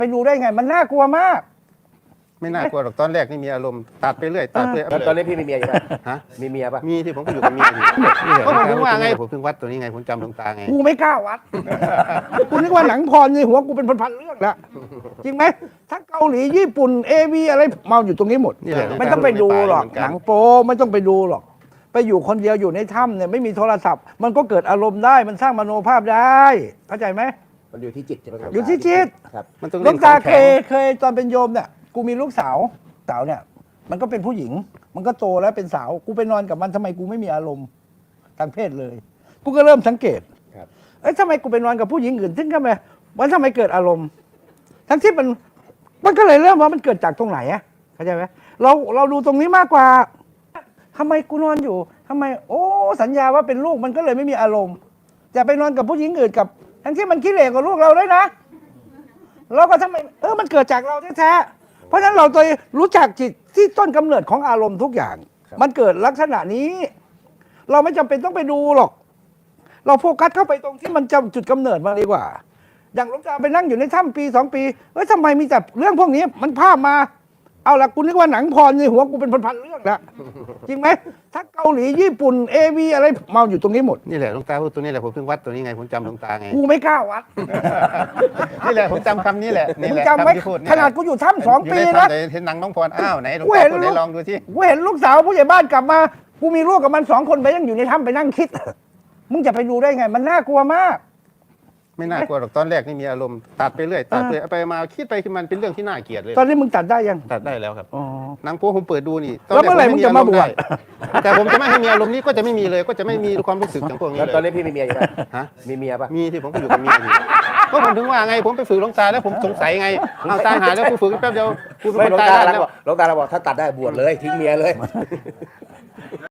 ไปดูได้ไงมันน่ากลัวมากไม่น่ากลัวหรอกตอนแรกนี่มีอารมณ์ตัดไปเรื่อยตัดไปเรื่อยแล้วตอนนี้พี่มีเมียอยู่ไหมฮะมีเมียปะมีที่ผมก็อยู่กับเมียอยู่ก็ผมถึงว่าไงผมถึงวัดตัวนี้ไงผมจำหลวงตาไงกูไม่กล้าวัด กูนึกว่าหนังพรในหัวกูเป็นพันๆเรื่องแล้วจริงไหมทั้งเกาหลีญี่ปุ่นเอวีอะไรมาอยู่ตรงนี้หมดนี่แหละไม่ต้องไปดูหรอกเหมือนกันหนังโป๊ไม่ต้องไปดูหรอกไปอยู่คนเดียวอยู่ในถ้ำเนี่ยไม่มีโทรศัพท์มันก็เกิดอารมณ์ได้มันสร้างมโนภาพได้เข้าใจไหมมันอยู่ที่จิตใช่ไหมครับอยู่ที่จิตครับมันต้องหลเล่วน งขตาองเคแข็ยงเคยตอนเป็นโยมเนี่ยกูมีลูกสาวเนี่ยมันก็เป็นผู้หญิง มันก็โตแล้วเป็นสาวกูไปนอนกับมันทำไมกูไม่มีอารมณ์ทางเพศเลยกูก็เริ่มสังเกตครับเอ้ยทำไมกูไปนอนกับผู้หญิงอื่นซึ่งทำไมมันทำไมเกิดอารมณ์ ทั้งที่มันก็เลยเริ่มว่ามันเกิดจากตรงไหนอะเข้าใจไหมเราดูตรงนี้มากกว่าทำไมกูนอนอยู่ทำไม โอ้สัญญาว่าเป็นลูกมันก็เลยไม่มีอารมณ์จะไปนอนกับผู้หญิงอื่นกับ ทั้งที่มันขี้เหร่กว่าลูกเราด้วยนะเราก็ทำไมมันเกิดจากเราแท้ๆเพราะฉะนั้นเราตัวรู้จักจิตที่ต้นกำเนิดของอารมณ์ทุกอย่าง มันเกิดลักษณะนี้ เราไม่จำเป็นต้องไปดูหรอก เราโฟกัสเข้าไปตรงที่มันจำจุดกำเนิดมาดีกว่า อย่างหลวงตาไปนั่งอยู่ในถ้ำปี2 ปีทำไมมีแต่เรื่องพวกนี้มันภาพมา เอาละกูนึกว่าหนังพรในหัวกูเป็นพันๆเรื่องแล้วจริงไหมทั้งเกาหลีญี่ปุ่นเอวีอะไรมาอยู่ตรงนี้หมดนี่แหละหลวงตาพูดตัวนี้แหละผมถึงวัดตัวนี้ไงผมจำหลวงตาไงกูไม่กล้าวัดนี่แหละผมจำคำนี้แหละนี่มึแหงละจำไว้คำที่พูดนี่ขนาดกูอยู่ถ้ำ2 ปีอยู่ในนะถ้ำเห็นหนังน้องพรอ้าวไหนหลวงกูตาเห็นพูดไหนลองดูที่กูเห็นลูกสาวผู้ใหญ่บ้านกลับมากูมีลูกกับมัน2 คนไปนั่งอยู่ในถ้ำไปนั่งคิด มึงจะไปดูได้ไง มันน่ากลัวมากไม่น่ากลัวหรอกตอนแรกนี่มีอารมณ์ตัดไปเรื่อยตัดไปไปมาคิดไปคือมันเป็นเรื่องที่น่าเกลียดเลยตอนนี้มึงตัดได้ยังตัดได้แล้วครับอ๋อหนังโป๊ผมเปิดดูนี่แล้วเมื่อไหร่มึงจะมาบวชแต่ผมจะไม่ให้มีอารมณ์นี้ก็จะไม่มีเลย ก็จะไม่มีความรู้สึกอย่างพวกนี้แล้วเลยตอนนี้พี่มีเมียอยู่ไหมฮะมีเมียปะมีที่ผมก็อยู่กับเมียอยู่ก็ผมถึงว่าไงผมไปฝึกหลวงตาแล้วผมสงสัยไงเอาตายหาแล้วกูฝึกแป๊บเดียวกูเป็นไม่คนหลวงตายตาได้เราแล้วบอกหลวงตาเราบอกถ้าตัดได้บวชเลยทิ้งเมียเลย